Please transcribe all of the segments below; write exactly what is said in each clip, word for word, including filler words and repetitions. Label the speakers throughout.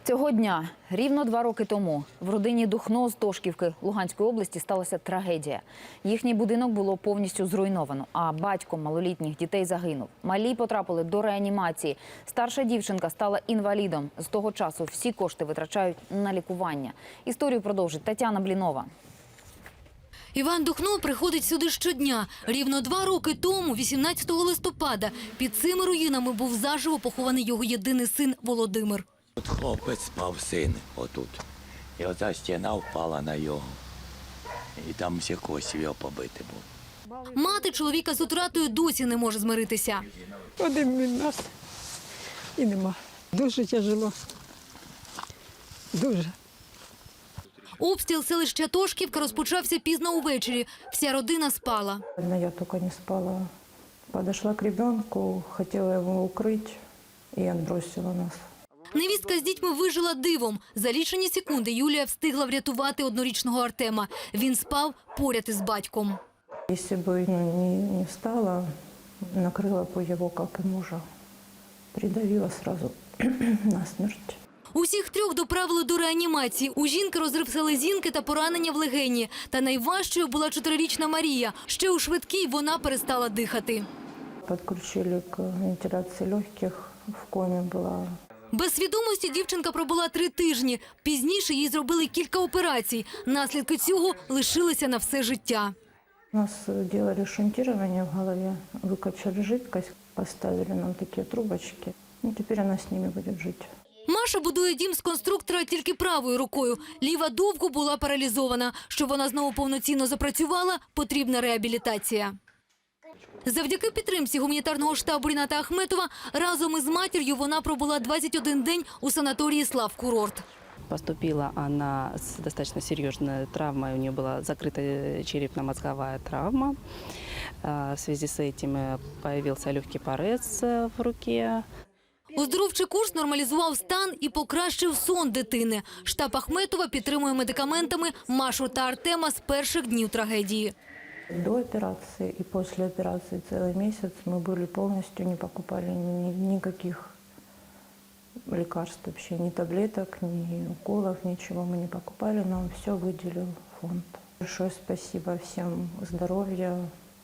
Speaker 1: Цього дня, рівно два роки тому, в родині Духно з Тошківки Луганської області сталася трагедія. Їхній будинок було повністю зруйновано, а батько малолітніх дітей загинув. Малі потрапили до реанімації. Старша дівчинка стала інвалідом. З того часу всі кошти витрачають на лікування. Історію продовжить Тетяна Блінова.
Speaker 2: Іван Духно приходить сюди щодня. Рівно два роки тому, вісімнадцятого листопада, під цими руїнами був заживо похований його єдиний син Володимир.
Speaker 3: От хлопець спав, син, отут. І оця стіна впала на його. І там всі кості його побити були.
Speaker 2: Мати чоловіка з утратою досі не може змиритися.
Speaker 4: Один від нас і нема. Дуже тяжело. Дуже.
Speaker 2: Обстріл селища Тошківка розпочався пізно увечері. Вся родина спала.
Speaker 5: Одна я только не спала. Подошла к ребенку, хотела его укрыть и отбросила нас.
Speaker 2: Невістка з дітьми вижила дивом. За лічені секунди Юлія встигла врятувати однорічного Артема. Він спав поряд із батьком.
Speaker 5: Если бы ну, не, не встала, накрыла бы его, как и мужа. Придавила сразу насмерть.
Speaker 2: Усіх трьох доправили до реанімації. У жінки розрив селезінки та поранення в легені. Та найважчою була чотирирічна Марія. Ще у швидкій вона перестала дихати.
Speaker 5: Подключили к вентиляции легких, в коме была.
Speaker 2: Без свідомості дівчинка пробула три тижні. Пізніше їй зробили кілька операцій. Наслідки цього лишилися на все життя.
Speaker 5: У нас делали шунтирование в голове, выкачали жидкость, поставили нам такие трубочки. И теперь она с ними будет жить.
Speaker 2: Маша будує дім з конструктора тільки правою рукою. Ліва довго була паралізована. Щоб вона знову повноцінно запрацювала, потрібна реабілітація. Завдяки підтримці гуманітарного штабу Ріната Ахметова разом із матір'ю вона пробула двадцять один день у санаторії «Славкурорт».
Speaker 6: Поступила она с достаточно серьезной травмой, у нее была закрытая черепно-мозговая травма. В связи с этим появился легкий порез в руке.
Speaker 2: Оздоровчий курс нормалізував стан і покращив сон дитини. Штаб Ахметова підтримує медикаментами Машу та Артема з перших днів трагедії.
Speaker 5: До операции и после операции целый месяц мы были полностью, не покупали ни, никаких лекарств вообще, ни таблеток, ни уколов, ничего мы не покупали, нам все выделил фонд. Большое спасибо всем, здоровья,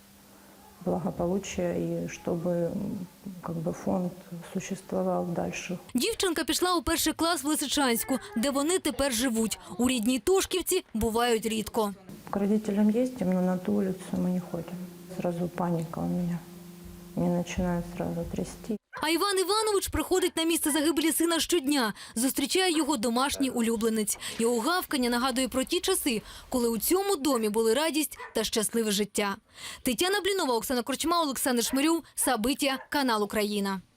Speaker 5: благополучия и чтобы как бы, фонд существовал дальше.
Speaker 2: Дівчинка пішла у перший клас в Лисичанську, де вони тепер живуть. У рідній Тошківці бувають рідко.
Speaker 5: К родителям ездим, но на ту улицу мы не ходим. Сразу паника у меня. Меня начинает сразу трясти.
Speaker 2: А Іван Іванович приходить на місце загибелі сина щодня. Зустрічає його домашній улюбленець. Його гавкання нагадує про ті часи, коли у цьому домі були радість та щасливе життя. Тетяна Блінова, Оксана Корчма, Олександр Шмирюв, Сабиття, канал Україна.